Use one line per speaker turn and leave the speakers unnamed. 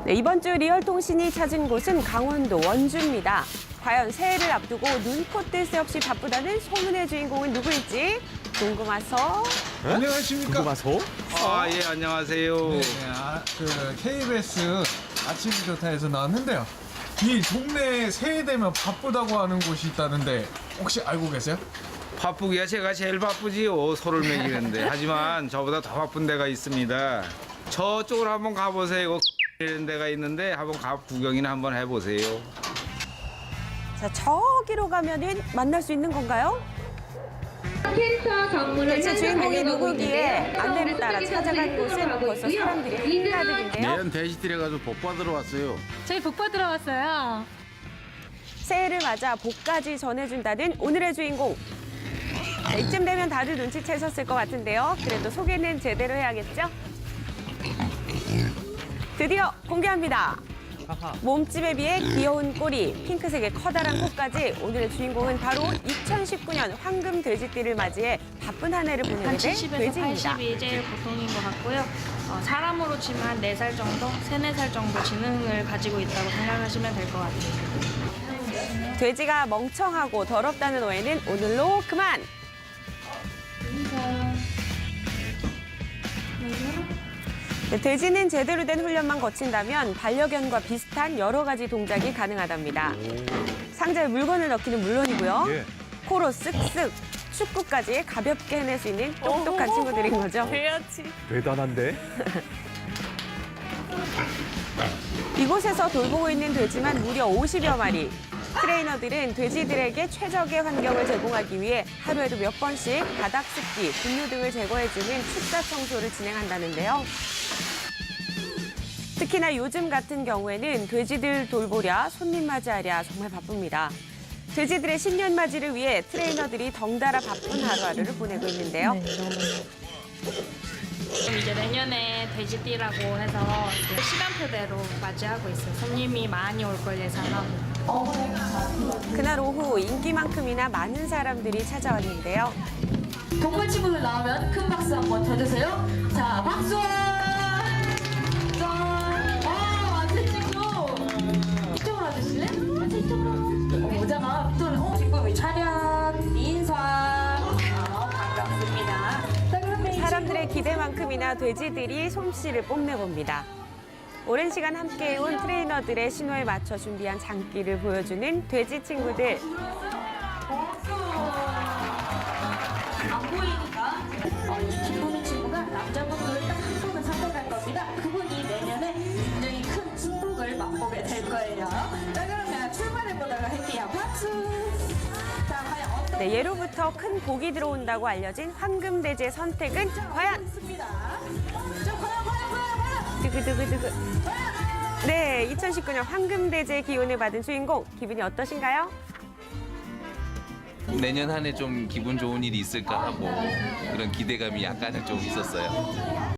네, 이번 주 리얼통신이 찾은 곳은 강원도 원주입니다. 과연 새해를 앞두고 눈코 뜰 새 없이 바쁘다는 소문의 주인공은 누구일지 궁금해서.
안녕하십니까?
궁금하소?
예, 안녕하세요.
네, KBS 아침이 좋다에서 나왔는데요. 이 동네에 새해 되면 바쁘다고 하는 곳이 있다는데 혹시 알고 계세요?
바쁘기야 제가 제일 바쁘지요. 소를 먹이는데. 하지만 저보다 더 바쁜 데가 있습니다. 저쪽으로 한번 가보세요. 이런 데가 있는데 한번 구경이나 한번 해보세요.
자, 저기로 가면은 만날 수 있는 건가요? 대체 주인공이 누구기에 안내를 따라 찾아갈 곳은 벌써 사람들이 한가득인데요.
내년 돼지들에 가서 복 받으러 왔어요.
저희 복 받으러 왔어요.
새해를 맞아 복까지 전해준다는 오늘의 주인공. 자, 이쯤 되면 다들 눈치채셨을 것 같은데요. 그래도 소개는 제대로 해야겠죠? 드디어 공개합니다. 몸집에 비해 귀여운 꼬리, 핑크색의 커다란 코까지 오늘의 주인공은 바로 2019년 황금 돼지띠를 맞이해 바쁜 한 해를 보내게
한
된
70에서
돼지입니다.
80이 제일 보통인 것 같고요. 사람으로 치면 한 4살 정도, 3, 4살 정도 지능을 가지고 있다고 생각하시면 될 것 같아요.
돼지가 멍청하고 더럽다는 오해는 오늘로 그만! 네, 돼지는 제대로 된 훈련만 거친다면 반려견과 비슷한 여러 가지 동작이 가능하답니다. 상자에 물건을 넣기는 물론이고요.
예.
코로 쓱쓱, 축구까지 가볍게 해낼 수 있는 똑똑한 친구들인 거죠.
대단한데?
이곳에서 돌보고 있는 돼지만 무려 50여 마리. 트레이너들은 돼지들에게 최적의 환경을 제공하기 위해 하루에도 몇 번씩 바닥 습기, 분유 등을 제거해주는 축사 청소를 진행한다는데요. 특히나 요즘 같은 경우에는 돼지들 돌보랴, 손님 맞이하랴 정말 바쁩니다. 돼지들의 신년 맞이를 위해 트레이너들이 덩달아 바쁜 하루하루를 보내고 있는데요.
이제 내년에 돼지띠라고 해서 이제 시간표대로 맞이하고 있어요. 손님이 많이 올 걸 예상하고.
그날 오후 인기만큼이나 많은 사람들이 찾아왔는데요.
동물 친구들 나오면 큰 박수 한번 쳐주세요. 자, 박수! 짠! 완전 친구! 이쪽으로 와주실래? 완전 이쪽으로. 오자마, 이쪽으로. 친구 차렷, 인사. 반갑습니다. 자, 그럼
사람들의 기대만큼이나 돼지들이 솜씨를 뽐내봅니다. 오랜 시간 함께해온 트레이너들의 신호에 맞춰 준비한 장기를 보여주는 돼지 친구들.
안 보이니까 김보민 친구가 남자분들을 딱 한 분을 선택할 겁니다. 그분이 내년에 굉장히 큰 축복을 맛보게 될 거예요. 자, 그러면 출발해보도록 할게요. 박수! 자, 과연 어떤
네, 예로부터 큰 복이 들어온다고 알려진 황금돼지의 선택은 과연?
있습니다. 자, 과연!
두구두구두구. 네, 2019년 황금돼지의 기운을 받은 주인공, 기분이 어떠신가요?
내년 한 해 좀 기분 좋은 일이 있을까 하고 그런 기대감이 약간은 좀 있었어요.